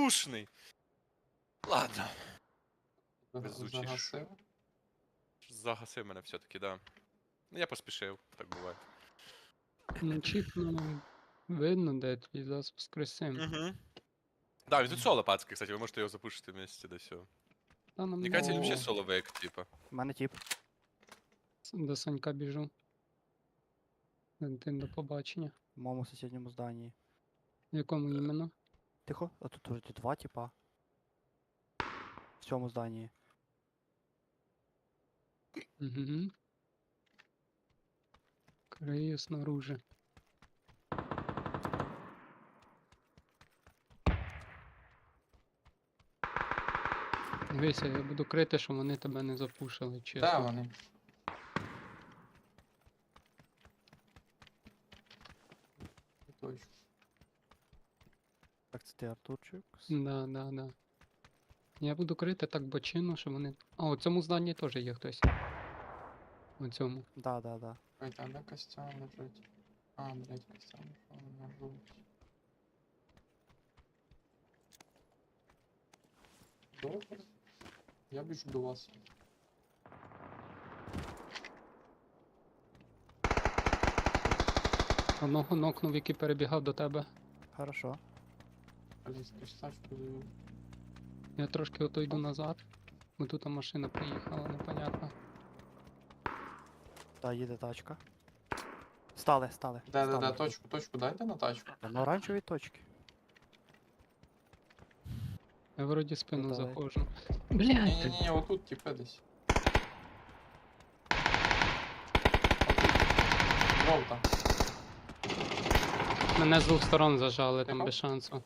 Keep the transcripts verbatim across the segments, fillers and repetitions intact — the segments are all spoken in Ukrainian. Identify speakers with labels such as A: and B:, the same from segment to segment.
A: бездушний. Ладно. Везучий.
B: Загасив.
A: Загасив мене все-таки, да. Ну я поспішив, так буває.
C: Ну, чіп, ну, видно, де твій зараз воскресим.
A: Угу. Да, він тут соло пацки, кстати, ви можете його запушити вместе, да все.
C: Та нам
A: Мені кажеться, він
B: О.
A: взагалі соловик, типа.
D: У мене тіп.
C: до Санька біжу. Валентин, до побачення.
D: В моєму сусідньому зданні.
C: В якому іменно?
D: Тихо, а тут уже два тіпа. В цьому зданні.
C: Угу. Крию снаружи. Дивися, я буду крити, щоб вони тебе не запушили, чесно.
B: Де вони? Точно.
D: Так, це ти Артурчик.
C: Да, да, да. Я буду крити так бочину, щоб вони. А, у цьому зданні теж є хтось. У цьому.
D: Да, да, да.
B: Ой, там де костюм лежить. А, блядь, костюм. Що у мене робить? Добре. Я біжу до вас.
C: Одного нокнув, який перебігав до тебе.
D: Хорошо.
B: Блядь, костачку завів.
C: Я трошки ото йду назад. Бо тут машина приїхала, непонятно.
D: Та їде тачка. Стали, стали.
B: Де, де, де,
D: стали.
B: точку, точку дайте на тачку.
D: На оранжевій точці.
C: Я вроді спину
D: давай.
C: заходжу. Блядь!
B: Ні-ні-ні, отут типи десь. Жовта.
C: Мене з двох сторон зажали, там
B: Тихо.
C: без шансу.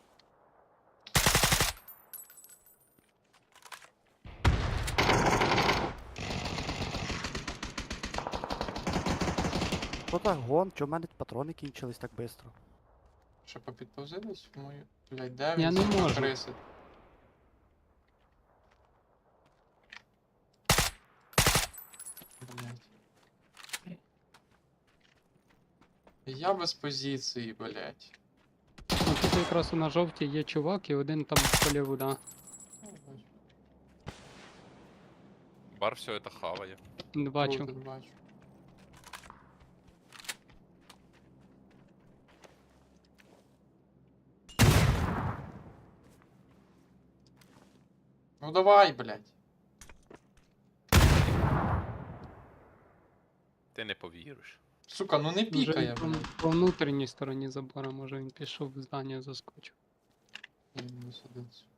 D: Що так гон? Чо в мене патрони кінчились так швидко?
B: Ще попідповзи десь в мою. Блядь, де
C: Я
B: він?
C: не можу.
B: Криси. Блядь. Я без позиції, блядь.
C: Ну, тут якраз на жовтій є чувак і один там поліву, да.
B: Ну, бачу.
A: Бар все это хаває.
C: Бачу.
B: Круто, бачу. Ну давай, блядь.
A: Ти не повіриш.
B: Сука, ну не
C: Вже
B: пікає,
C: по,
B: блядь.
C: по внутрішній стороні забора, може він пішов в здання, заскочив.
B: Я не сидить, сука.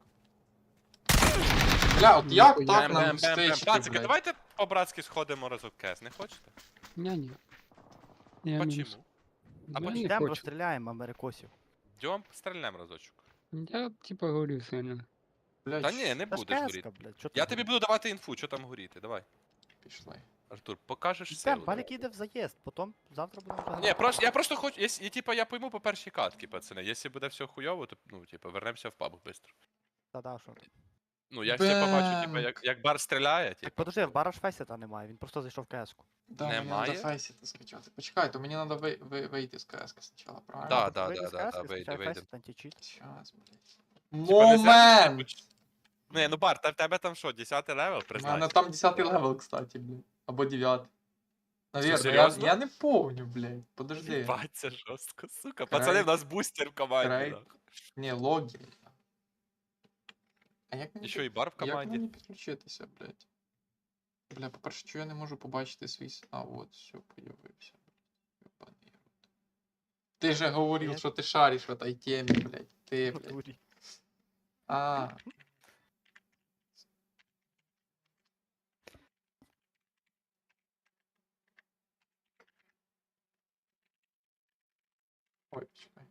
B: Бля, от як
C: Ніхуя.
B: так
A: Бем,
B: нам
A: бем, бем, бем.
B: стички,
A: Пацики,
B: блядь?
A: давайте по-братськи сходимо разок кес, не хочете?
C: Ня-ні. Я мінус.
A: Почему? А
C: Я
A: почему?
C: не
D: Йдемо
C: хочу.
D: розстріляємо америкосів.
A: Йдем, стрельнем разочок.
C: Я типа говорю сильно.
B: Блядь,
A: Та ні, не
D: Та ж
A: будеш
D: кеска,
A: горіти.
D: блядь, що ти
A: Я тобі
D: говориш?
A: буду давати інфу, що там горіти, давай.
B: пішли.
A: Артур, покажеш
D: Йдем,
A: силу.
D: Валік їде в заїзд, потім завтра будемо
A: Ні,
D: загадати.
A: просто, я просто хочу, я, типа, я пойму по першій катці, пацани. Якщо буде все хуйово, то, ну, типа, вернемося в паб швидко.
D: Та-да, що ти.
A: Ну, я ще побачу, типа,
B: Бем.
A: як, як бар стріляє,
D: Так
A: типа.
D: подожди, в бара ж фейсета немає, він просто зайшов в кеску.
B: Да, мені
A: Немає?
B: треба фейсити скачати. Почекай, то мені треба ви, ви, вийти з КС спочатку, правильно?
A: Да,
D: Тобто
A: да,
D: вийди
A: да,
D: з
A: да,
D: кески,
A: да, вийди,
D: скачай
A: вийди.
D: фейсет, античіт.
B: Щас, блядь.
A: Типа, не зря ти,
B: Момент!
A: типа, Не, ну бар, та в тебе там що, десятий левел,
B: У мене
A: признайся?
B: там десятий левел, кстати, блядь. Або дев'ятий. Наверно, я,
A: серйозно?
B: я не помню, блядь. Подожди.
A: Ебать, це жорстко, сука.
B: Край-
A: Пацани, в нас бустер в команді,
B: край-
A: нахуй.
B: Не, логін. А як мені,
A: І що, і бар в
B: як
A: команді?
B: мені підключитися, блядь? Бля, по-перше, чого я не можу побачити свій... с- А, от, все, появився. Ёбаний рот. Ти же говорив,
D: Привет.
B: що ти шариш в этой темі, блядь. Ти,
D: В
B: блядь.
D: натурі.
B: А. Ой, чекай.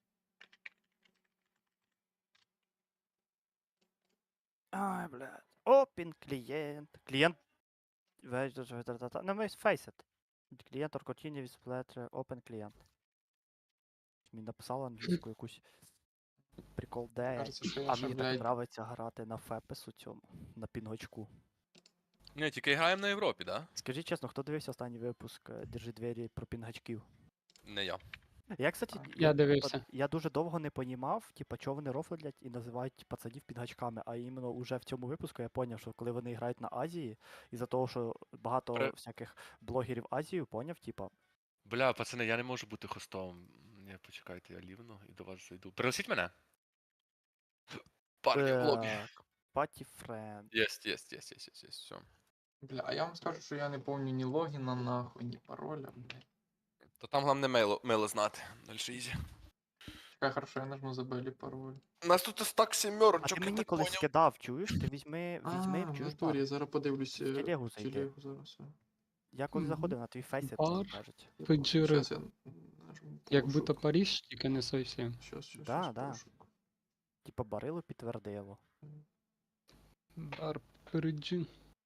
D: Ай, блядь. Опін клієнт. Клієнт. Ну, ми фейсет. Клієнт Оркотіні відсплетре open клієнт. Мені написала англійську якусь прикол де.
B: Кажеться, що я
D: А
B: ще,
D: мені так
B: блядь,
D: нравиться грати на фепес у цьому, на пінгочку.
A: Ні, тільки граємо на Європі, да?
D: Скажіть чесно, хто дивився останній випуск е, Держи двері про пінгачків?
A: Не я.
D: Я, кстати,
B: Так.
C: Я
D: типа,
C: дивився.
D: я дуже довго не понімав, типа, чого вони рофлять і називають пацанів підгачками, а іменно уже в цьому випуску я поняв, що коли вони грають на Азії, із-за того, що багато
A: При-
D: всяких блогерів Азію, поняв, типа,
A: Бля, пацани, я не можу бути хостом. Ні, почекайте, я лівно і до вас зайду. Пригласіть мене. Парні в лобі.
D: так, паті френд.
A: Єсть, єсть, єсть, єсть, єсть, єсть, все.
B: Бля, а я вам скажу, що я не помню ні логіна, нахуй, ні пароля, бля.
A: То там головне мейло, мейло знати. Дальше ізі.
B: Чекай, хорошо, я нажму забелі пароль.
A: У нас тут стак
D: А
A: сімерочок,
D: ти
A: я
D: мені
A: так
D: колись
A: поняв.
D: скидав, чуєш? Ти візьми,
B: А,
D: візьми,
B: в
D: чуєш,
B: натурі,
D: бар.
B: я зараз подивлюсь
D: В
B: е,
D: телегу
B: в
D: зайди.
B: телегу зараз. е.
D: Я коли
C: Мгм.
D: заходив на твій фейс,
C: Бар.
D: так кажуть.
B: Я
C: Феджири.
B: понял. Щас я нажму
C: Як будто
B: пошук.
C: Париж, тільки не зовсім.
B: Щас, щас,
D: Да,
B: щас,
D: да.
B: пошук.
D: Типа барило підтвердило.
C: Бар Париджі.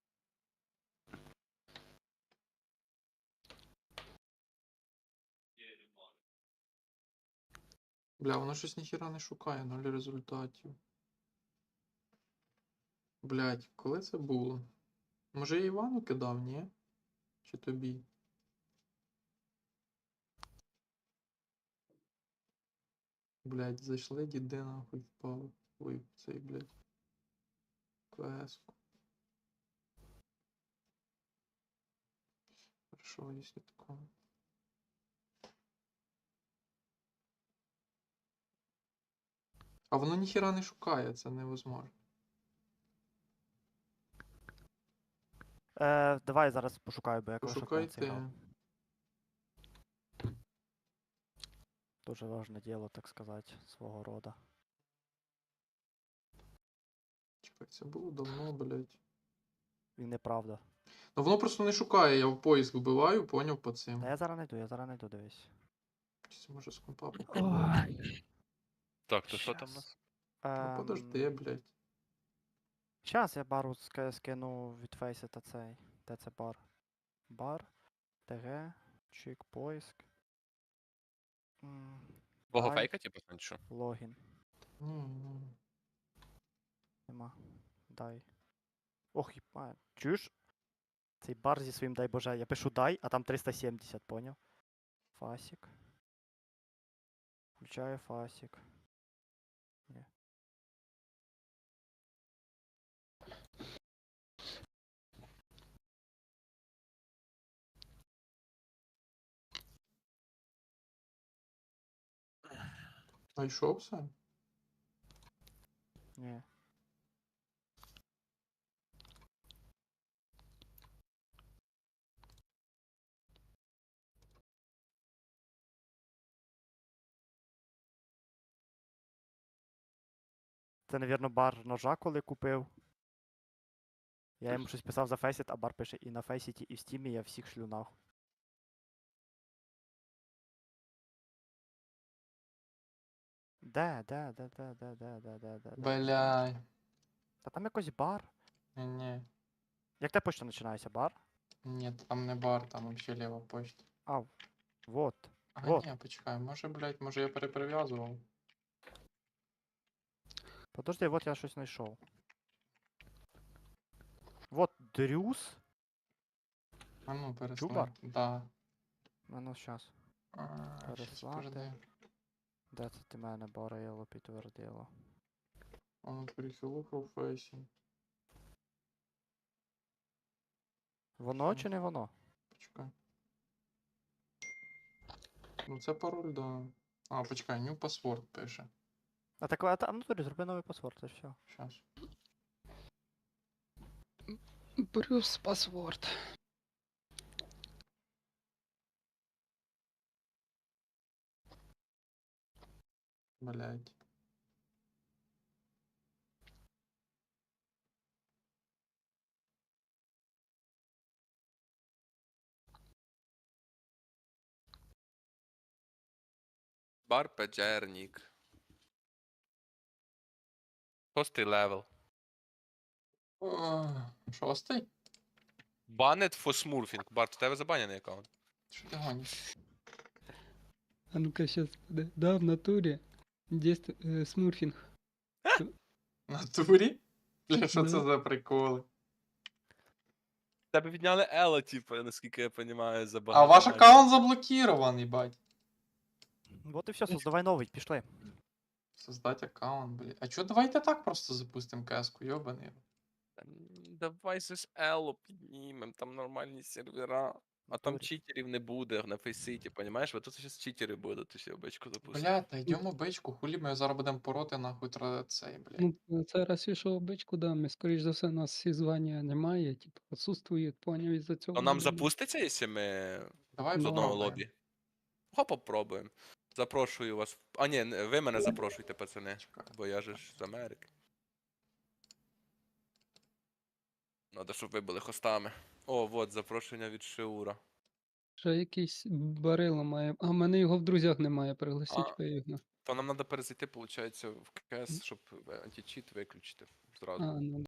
B: Бля, воно щось ніхіра не шукає, нуль результатів. Блять, коли це було? Може я Івану кидав, ні? Чи тобі? Блять, зайшли, діди нахуй впали. Ой, цей, блять. КС-ку. Хорошо, якщо такого. А воно ніхіра не шукає, це невозможно.
D: Е, давай я зараз пошукаю, бо я коли
B: Пошукайте.
D: грав. Дуже важне діло, так сказати, свого рода.
B: Чекай, це було давно, блять.
D: І неправда.
B: Ну воно просто не шукає, я в поїзд вбиваю, поняв по
D: Та
B: цим.
D: я зараз найду, я зараз найду, дивись.
B: Чи це може з компа попробувати?
A: Так, то що там у
D: Щас.
A: нас?
B: Ну подожди, блять.
D: Зараз я бару ска- скину від фейса та цей. Де це бар? Бар, ТГ, чик, поиск. М,
A: Бого
D: дай,
A: фейка, типу, чи що?
D: логін.
B: Ні, ні.
D: Нема. Дай. Ох, їба. Чуєш? Цей бар зі своїм дай боже. Я пишу дай, а там триста сімдесят, поняв? Фасік. Включаю фасік. Ні.
B: Знайшов все?
D: Ні. Це, навірно, бар ножа, коли купив. Я йому щось писав за фейсіт, а бар пише і на фейсіті, і в стімі я всіх шлю нахуй. Де, де, де, де, де, де, де, де, де, де.
B: Бля.
D: Та там якось бар.
B: Ні, ні.
D: Як те почта починається? Бар?
B: Ні, там не бар, там вообще ліва почта.
D: А, вот.
B: А,
D: Вот.
B: ні, почекай, може, блядь, може я переприв'язував.
D: Подожди, вот я щось знайшов. Вот Дрюс.
B: А ну, переслав.
D: бар?
B: Да.
D: А ну щас.
B: А, щас,
D: Переслати.
B: подожди.
D: Де це ти мене барило підтвердило?
B: А ну, перехилу професій.
D: Воно
B: Що?
D: чи не воно?
B: Почекай. Ну це пароль, да. А, почекай, new password пише.
D: А так, а там ну, зроби новий паспорт, і все.
B: Щас.
C: Брюс паспорт.
B: Блядь.
A: Бар Педжернік. Шостий левел.
B: О, шостий?
A: Banned for smurfing. Бар, в тебе забанений аккаунт.
B: Що ти гониш?
C: А ну-ка сейчас, да, да, в натуре. Здесь э, смурфинг.
B: В натурі? Бля, що це
C: Да.
B: за приколи?
A: Тебе відняли Ела, типу, наскільки я розумію, за
B: А
A: багато.
B: ваш
A: матчів.
B: аккаунт заблокірований, бать.
D: Вот і все, создавай новий, пішли.
B: Создать аккаунт, блядь. А чё, давайте так просто запустим каску, ёбаный. рот.
A: Та ні, Давай же ж Ело піднімем, там нормальні сервера. А там
D: Натурі.
A: читерів не буде на фейситі, понімаєш? Вот тут зараз читери будуть, ти ще обичку запустиш.
B: Блядь, та йдемо бичку, хулі ми зараз будемо пороти нахуй тра цей, блядь.
C: Ну, це раз ішов бичку, да, ми, скоріш за все, нас всі звання немає, типу, відсутствують, поняв, із-за цього.
A: То нам
C: будемо-
A: запуститься, якщо ми
B: Давай
A: з одного
B: попробуємо.
A: лобі? Го попробуємо. Запрошую вас. А ні, не- ви мене запрошуйте, пацани.
B: Чекай.
A: Бо я же ж з Америки. Надо, щоб ви були хостами. О, вот, запрошення від Шиура.
C: Ще якийсь барило має. А в мене його в друзях немає,
A: А.
C: пригласіть ви його.
A: То нам треба перезайти, виходить, в КС, щоб античіт виключити
C: А,
A: зразу.
C: ну